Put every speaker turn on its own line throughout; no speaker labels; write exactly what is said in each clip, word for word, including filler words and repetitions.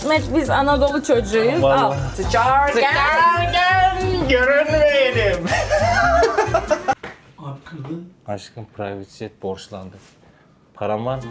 İsmet biz Anadolu çocuğuyuz.
Vallahi.
Al. Sıçarken
görünmeyelim.
Abi kırdı.
Aşkım private jet borçlandı. Param var mı?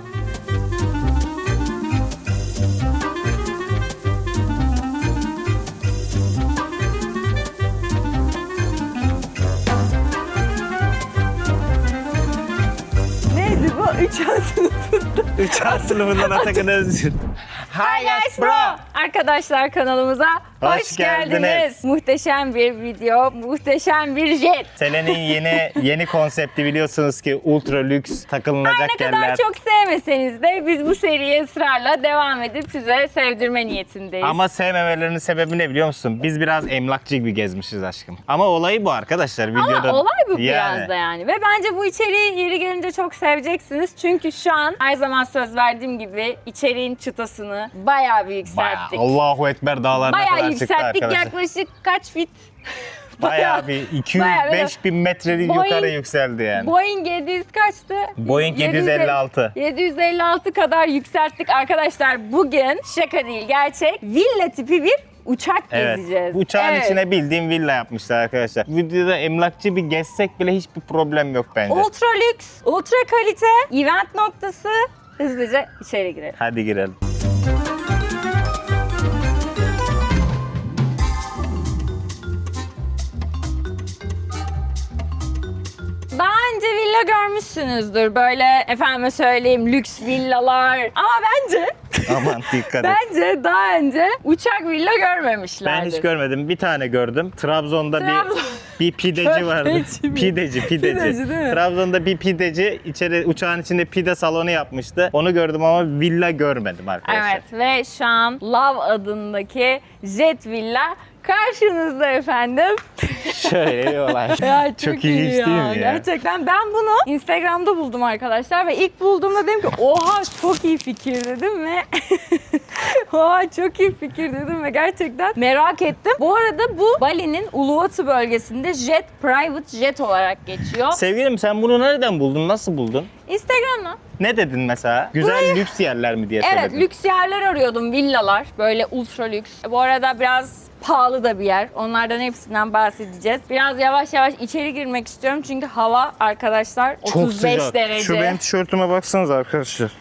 Neydi bu? Üç A sınıfında.
üç A sınıfından Atakan Özgür. Hi
Yes bro. Arkadaşlar kanalımıza hoş,
Hoş
geldiniz.
geldiniz.
Muhteşem bir video, muhteşem bir jet.
Senenin yeni yeni konsepti biliyorsunuz ki ultra lüks takılınacak
Ne kadar
yerler.
çok sevmeseniz de biz bu seriye ısrarla devam edip size sevdirme niyetindeyiz.
Ama sevmemelerinin sebebi ne biliyor musun? Biz biraz emlakçı gibi gezmişiz aşkım. Ama olayı bu arkadaşlar videoda.
Ama olay bu
Yani.
biraz da yani. Ve bence bu içeriği yeri gelince çok seveceksiniz. Çünkü şu an her zaman söz verdiğim gibi içeriğin çıtasını bayağı bir
Bayağı,
yükselttik.
Allahu Ekber dağlarına
Bayağı
kadar çıktı
yükselttik.
arkadaşlar.
Yaklaşık kaç fit?
Bayağı bir iki yüz beş bin metreli
Boeing-
yukarı yükseldi yani.
Boeing yedi yüz kaçtı?
Boeing yedi yüz elli altı.
yedi yüz elli altı kadar yükselttik arkadaşlar. Bugün şaka değil gerçek villa tipi bir uçak
Evet.
gezeceğiz.
Bu uçağın
Evet.
içine bildiğim villa yapmışlar arkadaşlar. Videoda emlakçı bir gezsek bile hiçbir problem yok bence.
Ultra lüks, ultra kalite, event noktası. Hızlıca içeri girelim.
Hadi girelim.
Daha önce villa görmüşsünüzdür. Böyle efendime söyleyeyim lüks villalar. Ama bence
Aman dikkat et.
bence daha önce uçak villa görmemişlerdir.
Ben hiç görmedim. Bir tane gördüm. Trabzon'da
Trabzon-
bir bir pideci vardı.
Köfteci mi?
Pideci, pideci.
Pideci değil mi?
Trabzon'da bir pideci içeri uçağın içinde pide salonu yapmıştı. Onu gördüm ama villa görmedim arkadaşlar.
Evet ve şu an Love adındaki jet villa karşınızda efendim.
Şöyle bir olay.
Ya çok,
Çok
iyi
ilginç
ya.
değil mi ya?
Gerçekten ben bunu Instagram'da buldum arkadaşlar ve ilk bulduğumda dedim ki oha çok iyi fikir dedim ve oha çok iyi fikir dedim ve gerçekten merak ettim. Bu arada bu Bali'nin Uluwatu bölgesinde jet, private jet olarak geçiyor.
Sevgilim sen bunu nereden buldun? Nasıl buldun?
Instagram'da.
Ne dedin mesela? Güzel lüks yerler mi diye
Evet,
söyledin.
lüks yerler arıyordum, villalar. Böyle ultra lüks. Bu arada biraz pahalı da bir yer. Onlardan hepsinden bahsedeceğiz. Biraz yavaş yavaş içeri girmek istiyorum çünkü hava arkadaşlar otuz beş derece.
Şu benim tişörtüme baksanıza arkadaşlar.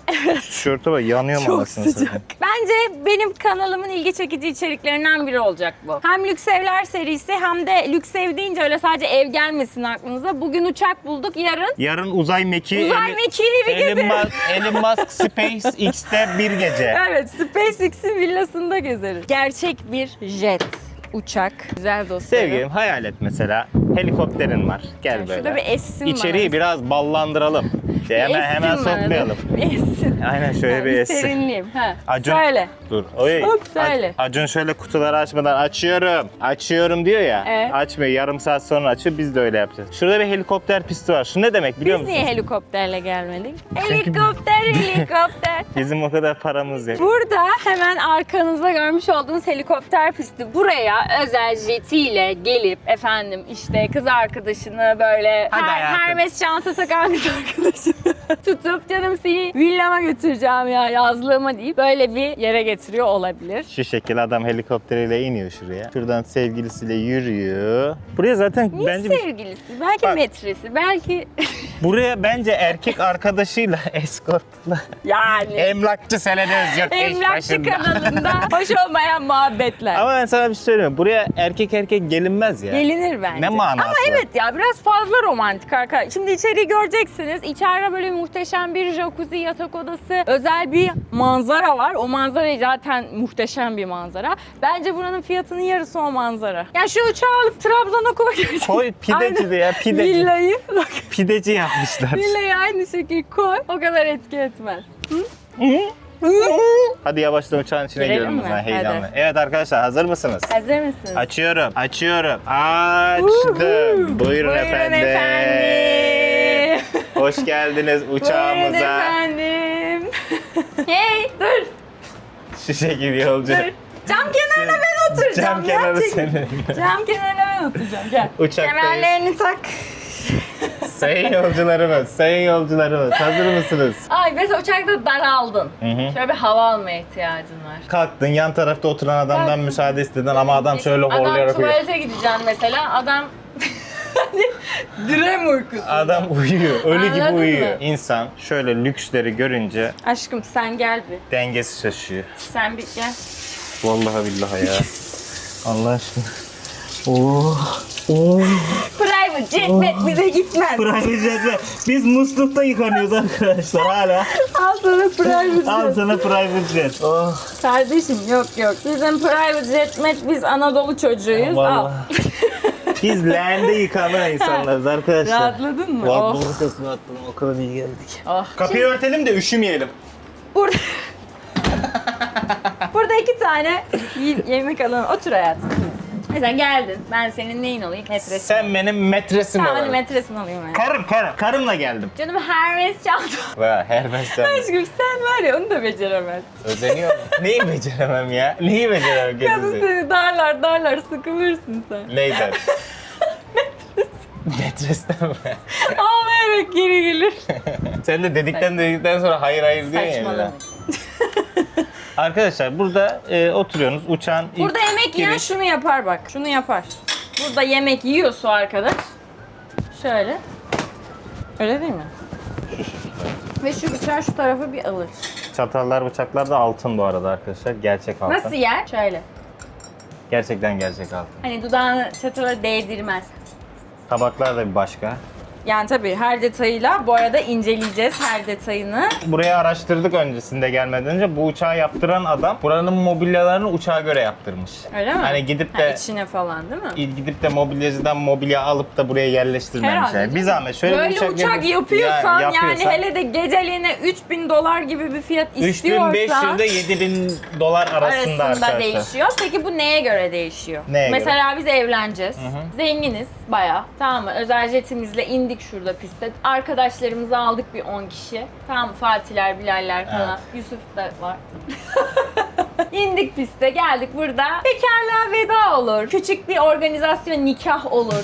Tişörte bak yanıyorum
Çok
anasını
sıcak.
satayım.
Bence benim kanalımın ilgi çekici içeriklerinden biri olacak bu. Hem lüks evler serisi hem de lüks ev deyince öyle sadece ev gelmesin aklınıza. Bugün uçak bulduk, yarın
Yarın uzay mekiği
uzay
Eli-
mekiği bir
Elon
gezeriz.
Musk, Elon Musk SpaceX'te bir gece.
Evet, SpaceX'in villasında gezeriz. Gerçek bir jet, uçak. Güzel dostlarım.
Sevgilim hayal et mesela. Helikopterin var. Gel
Yani
böyle.
şurada bir essin
İçeriği
bana.
biraz ballandıralım. İşte hemen
Essin
hemen
bana.
sokmayalım.
Bir essin.
Aynen şöyle
Ha,
bir essin.
serinleyeyim. Ha.
Acun,
Söyle.
Dur. Oy.
Hop, söyle.
Ac- Acun şöyle kutuları açmadan açıyorum. Açıyorum diyor ya.
Evet.
Açmıyor. Yarım saat sonra açıyor. Biz de öyle yapacağız. Şurada bir helikopter pisti var. Şu ne demek biliyor
Biz
musun?
niye helikopterle gelmedik? Helikopter, helikopter.
Bizim o kadar paramız yok.
Burada hemen arkanızda görmüş olduğunuz helikopter pisti. Buraya özel jetiyle gelip efendim işte kız arkadaşını böyle
Hadi
her,
hayatım.
Hermes çanta sakan kız arkadaşını tutup canım seni villama götüreceğim ya yazlığıma deyip böyle bir yere getiriyor olabilir.
Şu şekil adam helikopteriyle iniyor şuraya. Şuradan sevgilisiyle yürüyor. Buraya zaten
Niye
bence bir-
sevgilisi? Belki
Bak.
metresi, belki
buraya bence erkek arkadaşıyla eskortla
yani
emlakçı Selen Özgür eş
emlakçı
başında.
kanalında hoş olmayan muhabbetler.
Ama ben sana bir şey söyleyeyim. Buraya erkek erkek gelinmez ya.
Gelinir bence.
Ne manası
Ama
var?
evet ya biraz fazla romantik arkadaşlar. Şimdi içeriği göreceksiniz. İçeride böyle muhteşem bir jacuzzi, yatak odası, özel bir manzara var. O manzara zaten muhteşem bir manzara. Bence buranın fiyatının yarısı o manzara. Ya şu uçağı alıp Trabzon'a koy.
Koy pideci de ya pideci.
Villayı, bak
Pideci yapmışlar.
villayı aynı şekilde koy. O kadar etki etmez.
Hadi yavaştan uçağın içine
Girelim
girelim o
mi?
zaman heyecanlı.
Hadi.
Evet arkadaşlar hazır mısınız?
Hazır mısınız?
Açıyorum. Açıyorum. Açtım. Buyurun,
Buyurun
efendim.
efendim.
Hoş geldiniz
Buyurun
uçağımıza.
efendim. Hey dur.
Şu şekil yolcu.
Dur. Cam kenarına ben oturacağım.
Cam kenarı
ya. Çekil.
senin.
Cam kenarına ben oturacağım. Gel.
Uçaktayız.
Kemerlerini tak.
Sayın yolcularımız, sayın yolcularımız hazır mısınız?
Ay mesela uçakta daraldın.
Hı hı.
Şöyle bir hava almaya ihtiyacın var.
Kalktın yan tarafta oturan adamdan
Kalktın.
müsaade istedin ama adam şöyle
Adam
horlayarak uyuyor.
tuvalete gideceksin mesela. Adam direm uykusu.
Adam uyuyor, ölü gibi
Anladın
uyuyor.
mı?
İnsan şöyle lüksleri görünce
Aşkım sen gel bir.
dengesi şaşıyor.
Sen bir gel.
Vallahi billahi ya. Allah aşkına. Oh. Oh.
Private jet bize gitmez.
Private jet'le. Biz muslukta yıkanıyoruz arkadaşlar hala.
Al sana private
Al
jet.
sana private jet. Oh.
Kardeşim yok yok. Bizim private jet met biz Anadolu çocuğuyuz. Al.
Vallahi. Biz leğende yıkanan insanlarız arkadaşlar.
Rahatladın mı?
Vallahi
Oh.
burası rahatladım. O kadar iyi geldik.
Oh.
Kapıyı örtelim de üşümeyelim.
Burada... Burada iki tane y- yemek alalım. Otur hayatım. Mesela geldin. Ben senin neyin olayım? Metresin.
Sen benim metresim
Tamam hadi
ol.
metresin olayım ben.
Karım karım. Karımla geldim.
Canım Hermes çantam.
Vay Hermes sen.
Aşkım sen var ya onu da beceremezsin.
Özeniyor mu? Neyi beceremem ya? Neyi beceremem
Kadın
gezisi?
seni darlar darlar sıkılırsın sen.
Neyden? Metresten mi?
Ağlayarak geri gelir.
Sen de dedikten dedikten sonra hayır hayır diyorsun ya.
Saçmalama.
Arkadaşlar burada e, oturuyorsunuz uçağın ilk
Burada yemek yiyen
giriş.
şunu yapar bak. Şunu yapar. Burada yemek yiyor su arkadaş. Şöyle. Öyle değil mi? Ve şu bıçağı şu tarafa bir alır.
Çatallar bıçaklar da altın bu arada arkadaşlar. Gerçek altın.
Nasıl yer? Şöyle.
Gerçekten gerçek altın.
Hani dudağını çatala değdirmez.
Tabaklar da bir başka.
Yani tabii her detayıyla bu arada inceleyeceğiz her detayını.
Burayı araştırdık öncesinde gelmeden önce. Bu uçağı yaptıran adam buranın mobilyalarını uçağa göre yaptırmış.
Öyle mi?
Hani gidip
Ha,
de
içine falan değil mi?
gidip de mobilyacıdan mobilya alıp da buraya yerleştirmemişler.
Herhalde.
Bir zahmet şöyle
Böyle
bir uçak,
uçak,
yapıp-
yapıyorsan,
Ya-
yani
yapıyorsan,
hele de geceliğine üç bin dolar gibi bir fiyat
üç bin
istiyorsan
beş yüz ile yedi bin dolar arasında,
arasında
arkadaşlar.
değişiyor. Peki bu neye göre değişiyor?
Neye göre?
Mesela biz evleneceğiz. Zenginiz bayağı. Tamam mı? Özel jetimizle indik şurada piste. Arkadaşlarımızı aldık bir on kişi. Tamam mı? Fatihler, Bilaller falan. Yusuf da var. İndik piste, geldik burada. Bekarlığa veda olur. Küçük bir organizasyon, nikah olur.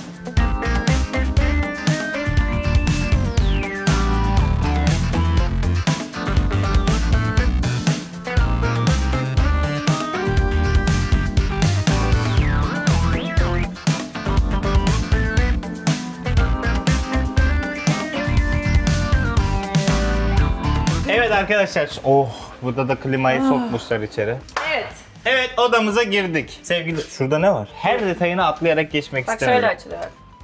Evet arkadaşlar. Oh, burada da klimayı sokmuşlar içeri.
Evet.
Evet, odamıza girdik. Sevgili, şurada ne var? Her detayını atlayarak geçmek
Bak
istemiyorum.
şöyle açılıyor.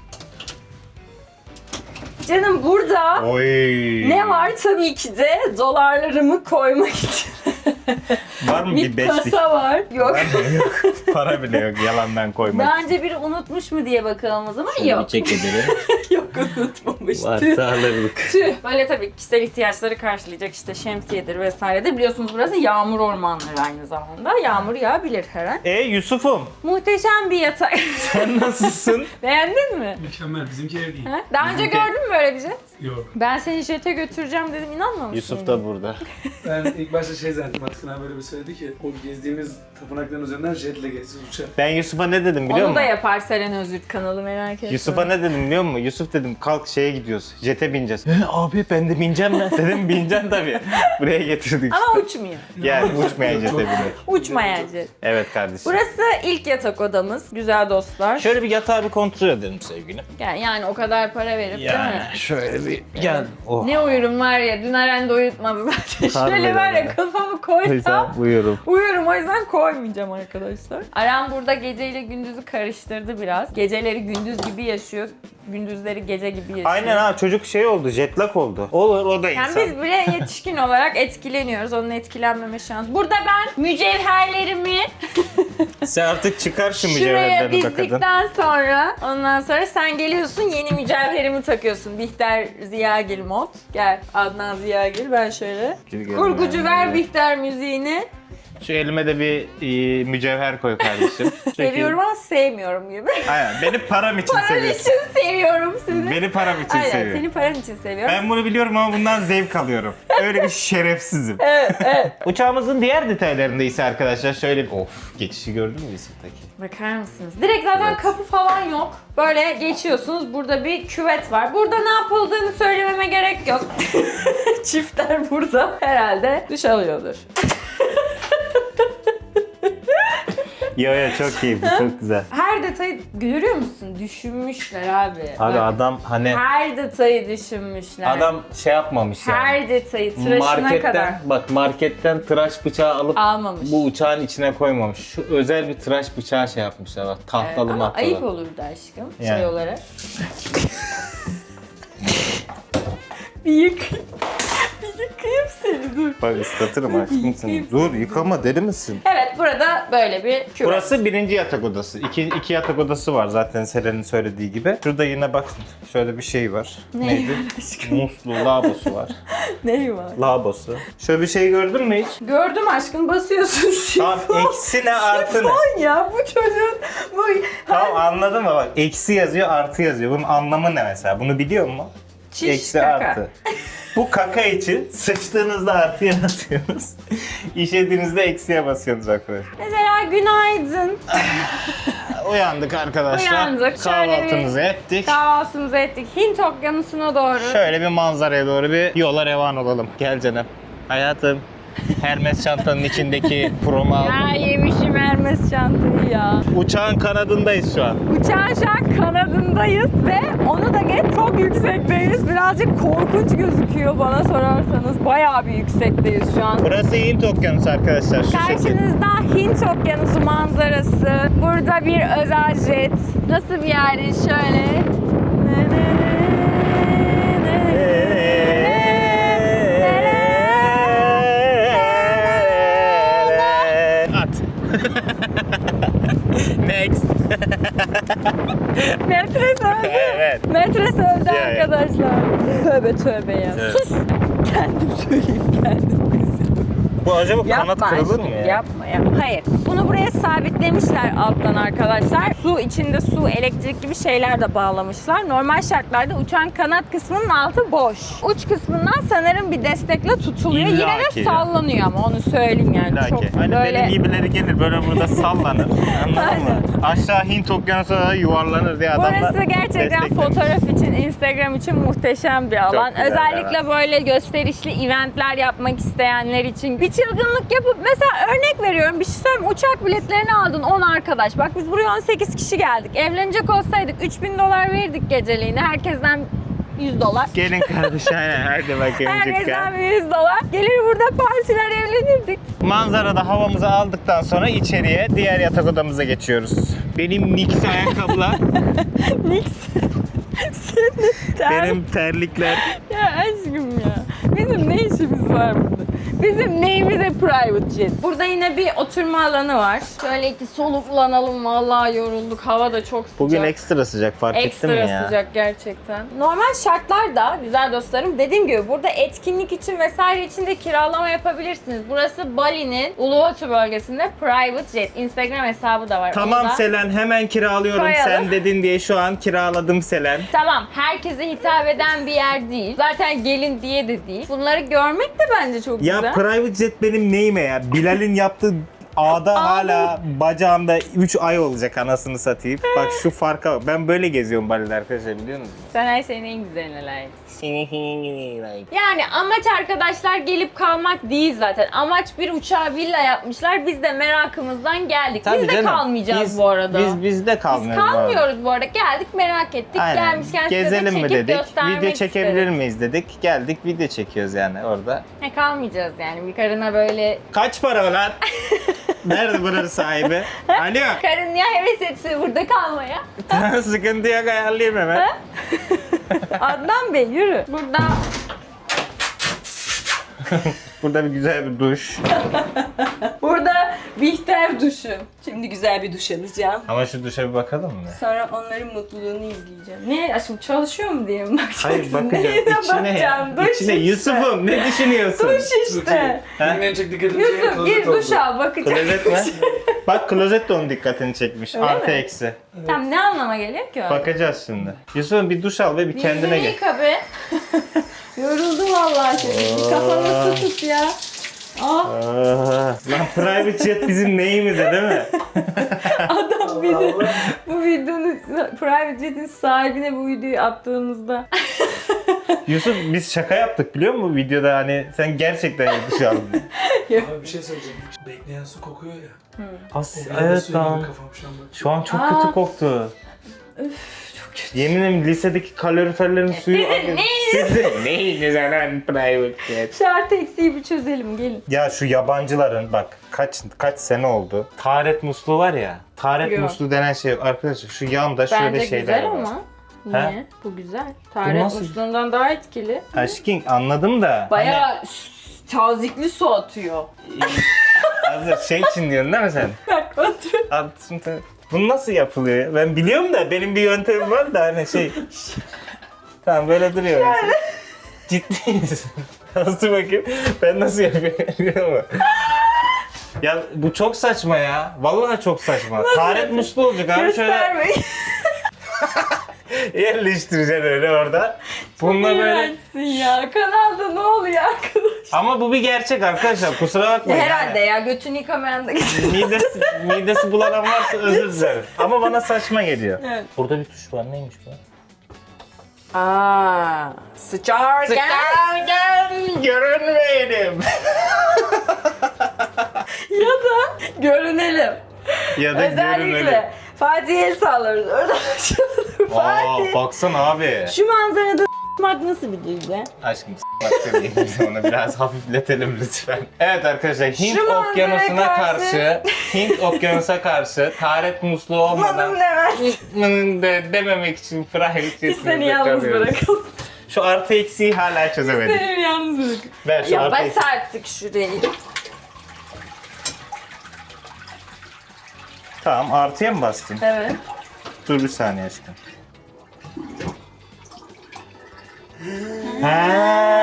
Canım burada
Oy.
ne var? Tabii ki de dolarlarımı koymak için.
Var mı bir
Bir
beşlik?
kasa var. Yok.
Yok. Para bile yok yalandan koymak.
Daha önce biri unutmuş mu diye bakalım o zaman. Yok.
çek edelim.
Yok unutmamış. Tüh.
Varsa alırdık.
Tüh. Böyle tabii kişisel ihtiyaçları karşılayacak işte şemsiyedir vesairedir. Biliyorsunuz burası yağmur ormanları aynı zamanda. Yağmur yağabilir her an.
E Yusuf'um,
Muhteşem bir yatak.
sen nasılsın?
Beğendin mi?
Mükemmel. Bizimki ev değil.
Ha? Daha önce
Bizimki-
gördün mü böyle bir jet?
Yok.
Ben seni jete götüreceğim dedim, inanmamışsın.
Yusuf da burada.
Ben ilk başta şey zannettim. Atkın abi böyle bir söyledi ki o gezdiğimiz tapınakların üzerinden jetle geçeceğiz uçağa.
Ben Yusuf'a ne dedim biliyor
Onu da
musun?
yapar Seren Özürt kanalı, merak etme.
Yusuf'a ne dedim biliyor musun? Yusuf dedim kalk şeye gidiyoruz. Jete bineceğiz. E, abi ben de bineceğim ben. Dedim bineceksin tabii. Buraya getirdik
Ama
işte.
uçmuyor.
Yani uçmayan jete bindik.
Uçmayan jet.
Evet kardeşim.
Burası ilk yatak odamız. Güzel dostlar.
Şöyle bir yatağı bir kontrol edelim sevgilim.
Yani, yani o kadar para verip değil
Yani
mi?
şöyle bir gel. Oh.
Ne uyurum var ya, dün Aren de uyutmadı zaten. Şöyle
Harbiden
var ya
ya.
kafamı koysam
Buyurun.
uyurum, o yüzden koymayacağım arkadaşlar. Aren burada geceyle gündüzü karıştırdı biraz. Geceleri gündüz gibi yaşıyor, gündüzleri gece gibi yaşıyor.
Aynen ha çocuk şey oldu, jet lag oldu. Olur o da
Yani
insan.
biz bile yetişkin olarak etkileniyoruz. Onun etkilenmeme şansı. Burada ben mücevherlerimi
Sen artık çıkar şu
şuraya
mücevherlerini be kadın.
dizdikten sonra ondan sonra sen geliyorsun, yeni mücevherimi takıyorsun. Bihter Ziyagil mod. Gel Adnan Ziyagil, ben şöyle.
Gel, gel,
Kurgucu
gel,
ver
gel.
Bihter müziğini.
Şu elime de bir e, mücevher koy kardeşim.
Seviyorum ama sevmiyorum gibi.
Aynen. Beni param için
Paran
seviyorsun.
için seviyorum sizi.
Beni param için
Aynen,
seviyorum.
seni paran için seviyorum.
Ben bunu biliyorum ama bundan zevk alıyorum. Öyle bir şerefsizim.
Evet, evet.
Uçağımızın diğer detaylarında ise arkadaşlar şöyle bir... Of, geçişi gördün mü Yusuf'taki?
Bakar mısınız? Direkt zaten
Evet.
kapı falan yok. Böyle geçiyorsunuz. Burada bir küvet var. Burada ne yapıldığını söylememe gerek yok. Çiftler burada herhalde duş alıyordur.
Yo yo çok keyifli, çok güzel.
Her detayı görüyor musun? Düşünmüşler abi.
Abi
Bak,
adam hani...
her detayı düşünmüşler.
Adam şey yapmamış yani.
her detayı tıraşına
Marketten,
kadar
bak marketten tıraş bıçağı alıp
almamış.
bu uçağın içine koymamış. Şu özel bir tıraş bıçağı şey yapmışlar bak,
Evet,
tahtalı
ama
mahtalı.
ayıp olurdu aşkım
Yani.
şey olarak. bir yık. bir yıkayım seni dur.
Bak ıslatırım aşkım seni. Dur yıkama, deli misin?
Evet, burada böyle bir küvet.
Burası birinci yatak odası. İki, iki yatak odası var zaten Selen'in söylediği gibi. Şurada yine bak şöyle bir şey var.
Ne
Neydi?
var aşkım?
Musluğu, lavabosu var.
Ne var?
Lavabosu. Şöyle bir şey gördün mü hiç?
Gördüm aşkım, basıyorsun
Tamam,
sifon.
eksi ne artı ne?
Sifon ya bu çocuğun. Bu...
Tamam anladın mı bak, eksi yazıyor artı yazıyor. Bunun anlamı ne mesela? Bunu biliyor musun?
Çiş,
Eksi
kaka.
artı. Bu kaka için sıçtığınızda artıya basıyorsunuz. İşediğinizde eksiye basıyorsunuz arkadaşlar.
Mesela günaydın.
Uyandık arkadaşlar.
Uyandık. Şöyle
Kahvaltımızı
bir-
ettik.
Kahvaltımızı ettik. Hint okyanusuna doğru.
Şöyle bir manzaraya doğru bir yola revan olalım. Gel canım. Hayatım. Hermes çantanın içindeki promu
Ya
aldım.
yemişim Hermes çantayı ya.
Uçağın kanadındayız şu an.
Uçağın şu an kanadındayız ve onu da geç çok yüksekteyiz. Birazcık korkunç gözüküyor bana sorarsanız. Bayağı bir yüksekteyiz şu an.
Burası Hint Okyanusu arkadaşlar. Şu şekilde.
Karşınızda Hint Okyanusu manzarası. Burada bir özel jet. Nasıl bir yer? Şöyle.
At. Next.
Metres öldü.
Evet.
Metres öldü
Ya, ya.
arkadaşlar. Tövbe tövbe ya.
Evet.
Sus. Kendim söyleyeyim kendim kızım.
Bu acaba kanat
Yapma
kırılır
aşkım,
mı ya?
yapma ya. Hayır. Bunu buraya sabitlemişler alttan arkadaşlar. Su içinde su, elektrik gibi şeyler de bağlamışlar. Normal şartlarda uçağın kanat kısmının altı boş. Uç kısmından sanırım bir destekle tutuluyor.
İlla
Yine
ki
de
ya.
sallanıyor ama onu söyleyeyim yani.
İlla
Çok
ki. Hani
böyle...
benim gibileri gelir böyle burada sallanır. Anladın mı? Aşağı Hint Okyanusu'na da yuvarlanır diye adamlar.
Burası gerçekten
desteklemiş.
fotoğraf için, Instagram için muhteşem bir alan.
güzel,
Özellikle
evet.
böyle gösterişli eventler yapmak isteyenler için bir çılgınlık yapıp mesela örnek veriyorum, bir şey söyleyeyim, uçak biletlerini aldın on arkadaş. Bak biz buraya on sekiz kişi geldik. Evlenecek olsaydık üç bin dolar verirdik geceliğine. Herkesten yüz dolar.
Gelin kardeş aynen hadi bakayım
Herkesten
çıkar.
bir yüz dolar. Gelir burada partiler, evlenirdik.
Manzarada havamızı aldıktan sonra içeriye diğer yatak odamıza geçiyoruz. Benim Nix ayakkabılar,
Nix. Senin ter...
benim terlikler.
Ya aşkım ya. Bizim ne işimiz var burada? Bizim neyimize private jet? Burada yine bir oturma alanı var. Şöyle ki soluklanalım. Vallahi yorulduk. Hava da çok sıcak.
Bugün ekstra sıcak fark ettin mi
Ekstra
ya?
sıcak gerçekten. Normal şartlarda güzel dostlarım, dediğim gibi burada etkinlik için vesaire için de kiralama yapabilirsiniz. Burası Bali'nin Uluwatu bölgesinde private jet. Instagram hesabı da var.
Tamam
Onu da-
Selen hemen kiralıyorum.
Koyalım.
Sen dedin diye şu an kiraladım Selen.
Tamam, herkese hitap eden bir yer değil. Zaten gelin diye de değil. Bunları görmek de bence çok
Ya
güzel.
private jet benim neyime ya? Bilal'in yaptığı ağda hala bacağımda üç ay olacak anasını satayım. Bak şu farka bak. Ben böyle geziyorum Bali'de arkadaşlar biliyor musunuz?
Sen her şeyin en güzeline layıksın. Yani amaç arkadaşlar gelip kalmak değil zaten. Amaç bir uçağa villa yapmışlar. Biz de merakımızdan geldik.
Tabii
biz de
canım.
kalmayacağız
Biz-
bu arada.
Biz biz de
Biz
kalmıyoruz. bu arada.
kalmıyoruz bu arada. Geldik, merak ettik.
Aynen.
Gelmişken size de
Gezelim mi
çekip
dedik?
göstermek
Video çekebilir
istedik.
miyiz dedik. Geldik video çekiyoruz yani orada.
Ne kalmayacağız yani. Bir karına böyle...
Kaç para lan? Nerede buranın sahibi? Alo.
Karın niye heves etse burada kalmaya?
Sıkıntı yok ayarlayayım hemen.
Adnan Bey yürü. Burada
Burada bir güzel bir duş.
Burada Bihter duşu. Şimdi güzel bir duş alacağım.
Ama şu duşa bir bakalım mı?
Sonra onların mutluluğunu izleyeceğim. Ne? Aşkım çalışıyor mu diye mi bakacaksın?
Hayır bakacağım.
Neyine
İçine ya.
bakacağım? Duş
İçine
işte.
Yusuf'um ne düşünüyorsun?
Duş işte.
Ha?
Benim en çok dikkatimi çeken
Yusuf
klozet
gir duş
oldu.
al bakacağım.
Klozet mi? Bak klozet de onun dikkatini çekmiş.
Öyle
Artı
mi?
eksi.
Tam ne anlama geliyor ki o?
Bakacağız şimdi. Yusuf'um bir duş al ve bir kendine
Yüzünü
gel.
yıka be. Yoruldum vallahi şimdi. Bir kafanı su tut ya. Ah
Aa, lan private jet bizim neyimize değil mi?
adam bir de bu videonun private jet'in sahibine bu videoyu attığımızda.
Yusuf biz şaka yaptık biliyor musun videoda hani sen gerçekten duş aldın.
Abi bir şey söyleyeceğim. Bekleyen su kokuyor ya.
As
O biraz da
evet
suya
lan.
benim kafam şu an bak.
Şu an çok
Aa.
kötü koktu.
Çok kötü.
Yeminim lisedeki kaloriferlerin suyu...
sizin neyiniz?
Sizin neyiniz anan private jet?
Şu artı eksiği bir çözelim gelin.
Ya şu yabancıların bak kaç kaç sene oldu. Taharet musluğu var ya. Taharet
Yok.
musluğu denen şey arkadaşlar şu yanda şöyle
Bence
şeyler
güzel
var.
ama.
Ha?
Niye? Bu güzel. Taharet
nasıl-
musluğundan daha etkili.
Aşkın anladım da.
Bayağı s- tazikli su atıyor.
Hani, hazır şey için diyorsun değil mi sen?
Bak atıyor.
Abi şimdi bu nasıl yapılıyor ya? Ben biliyorum da benim bir yöntemim var da hani şey. Tamam böyle duruyor. mesela. Ciddi misin? Nasıl bakayım? Ben nasıl yapıyorum biliyor musun? Ya bu çok saçma ya. Vallahi çok saçma. Taharet musluğu olacak abi şöyle
Göstermeyin.
yerleştireceksin öyle orada. Bununla böyle.
İğrençsin ya. Kanalda ne oluyor arkadaş?
Ama bu bir gerçek arkadaşlar. Kusura bakmayın.
Herhalde
yani.
ya götünü yıkamayan da
Midesi, midesi bulanan varsa özür dilerim. Ama bana saçma geliyor.
Evet.
Burada bir tuş var. Neymiş bu?
Aa, sıçarken.
Sıkarken görünmeyelim.
Ya da görünelim.
Ya da görünelim.
Özellikle Fatih el sağlarız. Orada açılır Fatih.
Aa, baksana abi.
Şu manzarada s**mak nasıl bir duygu?
Aşkım s**mak demeyeyim bize onu biraz hafifletelim lütfen. Evet arkadaşlar Hint
Şu manzaraya
okyanusuna
karşı-
karşı, Hint okyanusa karşı taharet musluğu olmadan
Manım demez.
"Mının" de dememek için private
Biz seni yalnız bırakalım.
Şu artı eksiği hala çözemedik.
Seni yalnız bırakalım.
Ver şu
Ya
artı
bas
eksiği.
artık şurayı.
Tamam artıya mı bastın?
Evet.
Dur bir saniye aşkım. Ha.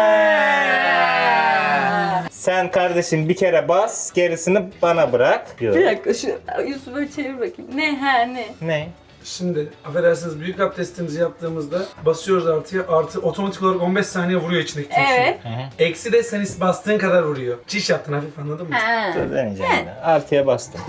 Sen kardeşim bir kere bas, gerisini bana bırak. Yok.
Bir dakika şu Yusuf'a çevir bakayım. Ne ha ne?
Ne?
Şimdi affedersiniz büyük abdestimizi yaptığımızda basıyoruz artıya, artı otomatik olarak on beş saniye vuruyor içindeki tüm suyu.
Evet.
Eksi de sen bastığın kadar vuruyor. Çiş yaptın hafif anladın mı?
Ha.
Dur deneyeceğim yine. Artıya bastım.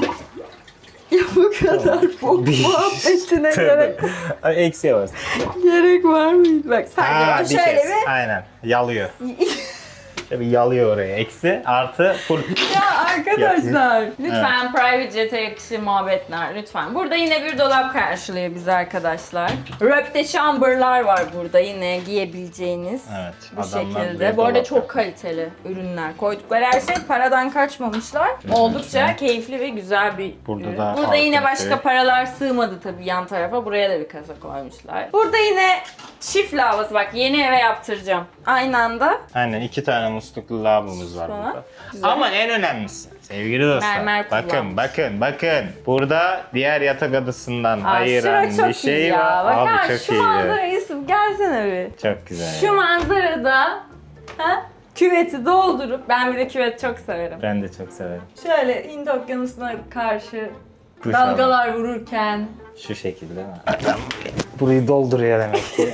Ya bu kadar bu
Bir-
muhabbetine gerek,
Ay, eksiye bastım.
gerek var mıydı? Bak
Ha,
sadece
bir
şöyle
kez.
bir...
Aynen. Yalıyor. Şöyle bir yalıyor oraya. Eksi, artı, full.
Ya arkadaşlar lütfen private jet'e yakışır muhabbetler lütfen. Burada yine bir dolap karşılıyor bizi arkadaşlar. Röpte chamber'lar var burada yine giyebileceğiniz.
Evet.
Bu
adamlar
şekilde.
buraya
Bu arada
dolap
çok
yapıyor.
kaliteli ürünler. Koydukları her şey paradan kaçmamışlar. Oldukça keyifli ve güzel bir
Burada
ürün.
da
Burada yine
altın
başka
şey.
paralar sığmadı tabii yan tarafa. Buraya da bir kasa koymuşlar. Burada yine çift lavabası. Bak yeni eve yaptıracağım. Aynı anda
Aynen iki tane musluklu lavabomuz var
Sonra,
burada.
güzel.
Ama en önemlisi sevgili dostlar.
Mermer
bakın
kullanmış.
bakın bakın. Burada diğer yatak adasından
Aa,
ayıran
şura çok
bir şey
iyi ya.
var.
Bak
Abi
ha,
çok
şu
iyi.
manzara Yusuf gelsene bir.
Çok güzel.
Şu
ya.
manzarada ha, küveti doldurup ben bir de küvet çok severim.
Ben de çok severim.
Şöyle Hint okyanusuna karşı
Duş
dalgalar vururken
Şu şekilde değil mi? Adam burayı dolduruyor demek ki.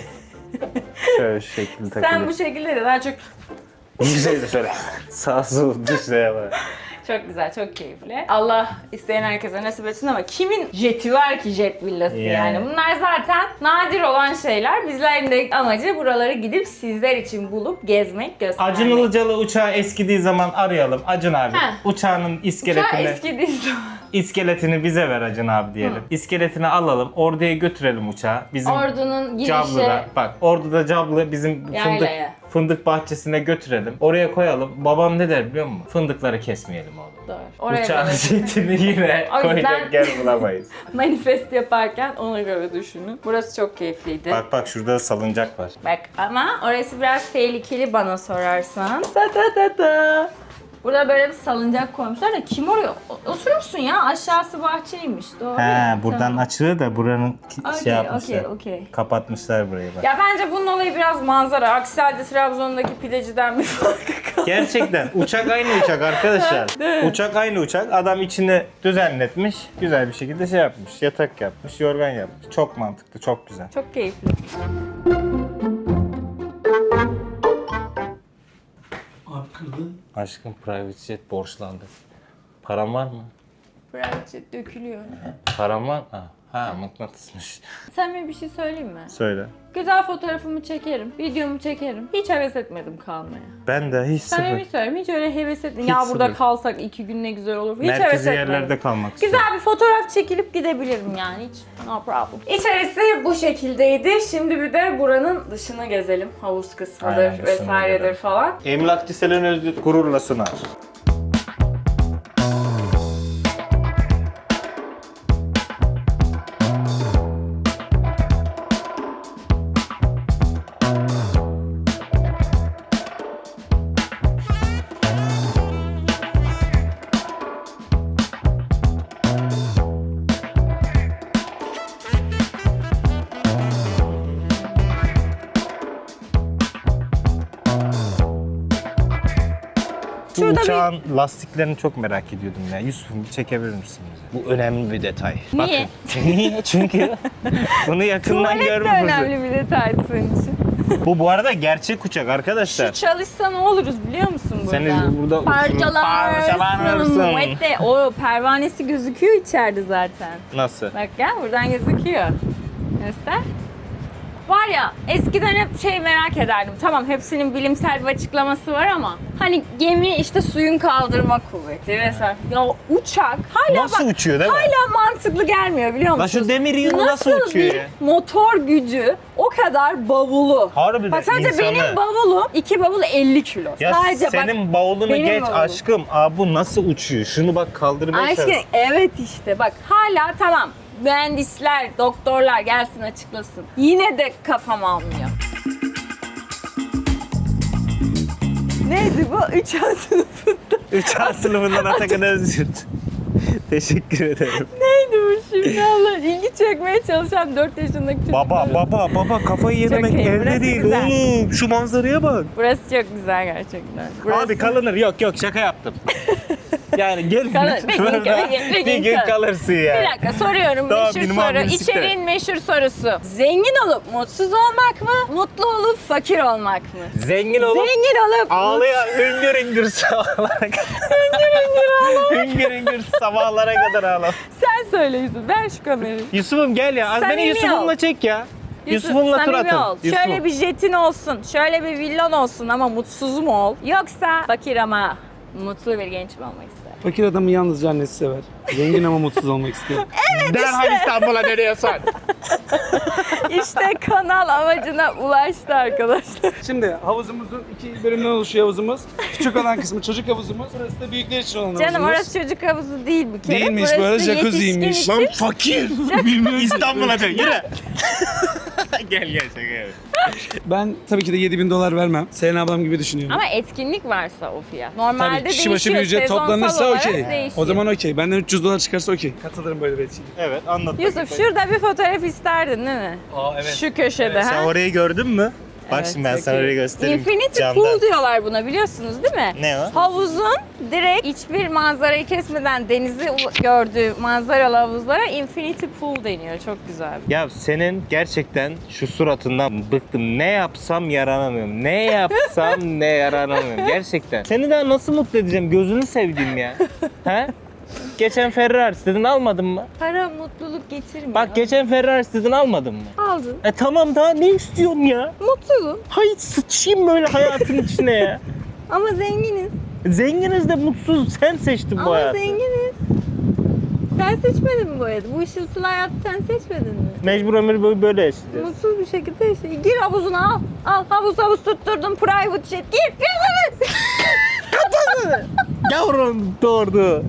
Şöyle şu şekilde takılıyor.
sen bu şekilde de daha çok
Güzel de şöyle sağ sol dışlaya bak.
çok güzel, çok keyifli. Allah isteyen herkese nasip etsin ama kimin jeti var ki jet villası yani.
Yani.
Bunlar zaten nadir olan şeyler. Bizlerin de amacı buraları gidip sizler için bulup gezmek, göstermek.
Acun Ilıcalı uçağı eskidiği zaman arayalım. Acun abi
Heh.
uçağının
Uçağı
iskeletini,
eski değil zaman.
iskeletini bize ver Acun abi diyelim. İskeletini alalım. Ordu'ya götürelim uçağı. Bizim
Ordunun girişi
Cablı'da. Bak Ordu'da Cablı bizim fındık,
Yaylaya.
fındık bahçesine götürelim. Oraya koyalım. Babam ne der biliyor musun? Fındıkları kesmeyelim oğlum.
Doğru. Oraya
Uçağın
göre
jetini yine
O yüzden-
koyacak yer bulamayız.
manifest yaparken ona göre düşünün. Burası çok keyifliydi.
Bak bak şurada salıncak var.
Bak ama orası biraz tehlikeli bana sorarsan. Ta ta ta ta. Burada böyle bir salıncak koymuşlar da kim oraya o- oturursun ya? Aşağısı bahçeymiş. Doğru.
He, buradan
Tamam.
açılıyor da buranın ki-
Okey,
şey yapmışlar.
okey, okey.
Kapatmışlar burayı bak.
Ya bence bunun olayı biraz manzara. Aksi halde Trabzon'daki pideciden bir farkı kalmadı.
Gerçekten uçak aynı uçak arkadaşlar. Uçak aynı uçak. Adam içini düzenletmiş. Güzel bir şekilde şey yapmış. Yatak yapmış, yorgan yapmış. Çok mantıklı, çok güzel.
Çok keyifli.
Abi kırdı.
Aşkım private jet borçlandı. Param var mı?
Birazcık dökülüyor.
Param var mı? Ha, ha mıknatısmış.
Sen bir bir şey söyleyeyim mi?
Söyle.
Güzel fotoğrafımı çekerim, videomu çekerim. Hiç heves etmedim kalmaya.
Ben de hiç
Sen
sıfır.
bir söyleyeyim, hiç öyle heves etmedim.
Hiç
Ya burada
sıfır.
kalsak iki gün ne güzel olur. Hiç heves
Merkezi
etmedim.
yerlerde kalmak istiyorum.
Güzel bir fotoğraf çekilip gidebilirim yani hiç no problem. İçerisi bu şekildeydi. Şimdi bir de buranın dışını gezelim. Havuz kısmıdır
Aynen, dışını
vesairedir
gezelim.
falan.
Emlakçı Selen Özgür gururla sunar. Bu
Şurada bir-
uçağın lastiklerini çok merak ediyordum ya. Yusuf'um bir çekebilir misin bize? Bu önemli bir detay.
Niye?
Bakın. Niye? Çünkü bunu yakından
Tuvalet de
görme fırsatı.
önemli bir detaydı senin için.
Bu bu arada gerçek uçak arkadaşlar.
Şu çalışsa ne oluruz biliyor musun burada?
Seni burada
Parçalanırsın.
parçalanırsın.
Muette. O pervanesi gözüküyor içeride zaten.
Nasıl?
Bak gel buradan gözüküyor. Göster. Var ya eskiden hep şey merak ederdim. Tamam hepsinin bilimsel bir açıklaması var ama hani gemi işte suyun kaldırma kuvveti vesaire. Ya uçak hala
Nasıl
bak,
uçuyor değil mi?
hala mantıklı gelmiyor biliyor
Lan
musun?
şu demir yığını nasıl uçuyor
bir
ya?
motor gücü o kadar bavulu.
Harbiden
Bak sadece
insanı-
benim bavulum iki bavul elli kilo.
Ya
sadece bak
senin bavulunu
benim
geç
bavulum.
aşkım. Aa bu nasıl uçuyor? Şunu bak kaldırmaya
Aşkım
çalış.
evet işte bak hala tamam mühendisler, doktorlar gelsin açıklasın. Yine de kafam almıyor. Neydi bu? Üç A sınıfında.
üç A sınıfından Atakan Özgür. Teşekkür ederim.
Neydi bu şimdi Allah? İlgi çekmeye çalışan dört yaşındaki çocuk.
Baba baba baba kafayı yememek
iyi, burası
elde değil
güzel.
oğlum. Şu manzaraya bak.
Burası çok güzel gerçekten. Burası...
Abi kalınır. Yok yok şaka yaptım. Yani gel
Kalır. Bir gün,
burada
bir gün, bir
bir
gün
gün
kalır.
kalırsın ya.
Bir dakika soruyorum
Tamam,
meşhur
benim
soru.
abim siktir.
İçeriğin meşhur sorusu. Zengin olup mutsuz olmak mı? Mutlu olup fakir olmak mı?
Zengin olup
Zengin olup
ağlayan hüngür hüngür sabahlara kadar. hüngür hüngür ağla. hüngür hüngür sabahlara kadar ağla.
Sen söyle Yusuf. Ver şu kamerayı.
Yusuf'um gel ya. Az beni
Samimi
Yusuf'umla
ol.
çek ya.
Yusuf,
Yusuf'umla tur
samimi
atın.
ol.
Yusuf'um.
Şöyle bir jetin olsun, şöyle bir villan olsun ama mutsuz mu ol? Yoksa fakir ama mutlu bir genç mi olmak ister?
Fakir adamı yalnızca annesi sever. Zengin ama mutsuz olmak istiyor.
Derhal İstanbul'a nereye sar?
İşte kanal amacına ulaştı arkadaşlar.
Şimdi havuzumuzun iki bölümden oluşuyor havuzumuz. Küçük olan kısmı çocuk havuzumuz. Burası da büyükler için olan havuzumuz.
Canım orası çocuk havuzu değil bir kere.
Değilmiş,
Burası
böyle jacuzziymiş.
yetişkin
Lan
için.
fakir.
Bilmiyorum.
İstanbul'a dön yürü. gel gel şaka yap.
Ben tabii ki de yedi bin dolar vermem. Selena ablam gibi düşünüyorum.
Ama etkinlik varsa o fiyat. Normalde
Tabii kişi başı bir
değişiyor.
ücret
Sezonsal
toplanırsa
olarak
okey.
değişiyor.
O zaman okey. Benden üç yüz dolar çıkarsa okey. Katılırım böyle bir etkinliğe.
Evet anlat.
Yusuf şurada bir fotoğraf isterdin değil mi?
Aa evet.
Şu köşede
Sen
ha?
orayı gördün mü? Bak
Evet,
şimdi ben
çok
sana
iyi.
orayı göstereyim.
Infinity
camdan.
Pool diyorlar buna biliyorsunuz değil mi?
Ne o?
Havuzun direkt hiçbir manzarayı kesmeden denizi u- gördüğü manzaralı havuzlara Infinity Pool deniyor. Çok güzel.
Ya senin gerçekten şu suratından bıktım. Ne yapsam yaranamıyorum. Ne yapsam ne yaranamıyorum. Gerçekten. Seni daha nasıl mutlu edeceğim? Gözünü sevdiğim ya. He? Geçen Ferrari istedin almadın mı?
Para mutluluk getirmiyor.
Bak geçen Ferrari istedin almadın mı?
aldın.
E tamam daha ne istiyorum ya?
Mutluyum
Hay sıçayım böyle hayatın içine ya.
ama zenginiz.
Zenginiz de mutsuz sen seçtin bu
Ama
hayatı.
zenginiz. Sen seçmedin mi bu hayatı? Bu ışıltılı hayatı sen seçmedin mi?
Mecbur ömür boyu böyle yaşayacağız.
Mutsuz bir şekilde yaşa. Gir havuzuna al. Al havuz havuz tutturdum private jet. Gir gir.
Yavrum doğurdu.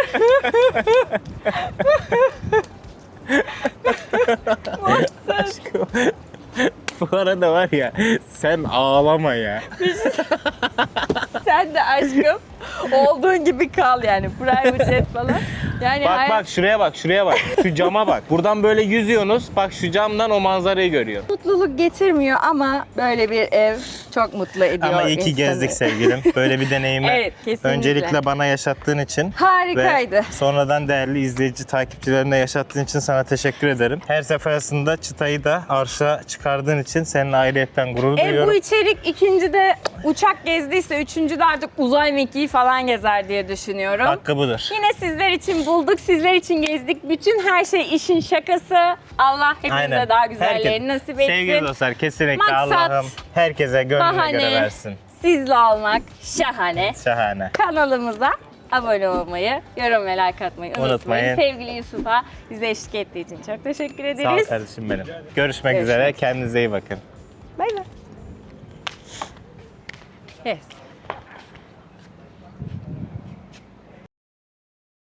Aşkım. Bu arada var ya sen ağlama ya.
Sen Sen de aşkım olduğun gibi kal yani. Private jet falan. Yani
Bak
hayat-
bak şuraya bak şuraya bak. Şu cama bak. Buradan böyle yüzüyorsunuz. Bak şu camdan o manzarayı görüyor.
mutluluk getirmiyor ama böyle bir ev çok mutlu ediyor
Ama iyi ki
insanı.
gezdik sevgilim. Böyle bir deneyimi
Evet, kesinlikle.
öncelikle bana yaşattığın için
Harikaydı.
ve sonradan değerli izleyici takipçilerine yaşattığın için sana teşekkür ederim. Her seferinde çıtayı da arşa çıkardığın için seninle ayrıyetten gurur
E
duyuyorum.
bu içerik ikincide uçak gezdiyse üçüncüde artık uzay mekiği falan gezer diye düşünüyorum.
Hakkı budur.
Yine sizler için bulduk, sizler için gezdik. Bütün her şey işin şakası. Allah hepimize daha güzellerini
Herkes-
nasip etsin.
Sevgili dostlar kesinlikle
Maksat,
Allah'ım herkese gönlüne
bahane,
göre versin.
Sizle olmak şahane.
Şahane.
Kanalımıza abone olmayı, yorum ve like atmayı unutmayın.
Unutmayın.
Sevgili Yusuf'a bize eşlik ettiği için çok teşekkür
Sağ ol
ederiz.
kardeşim benim. Görüşmek
Görüşmek
üzere.
üzere.
Kendinize iyi bakın.
Bay bay. Yes.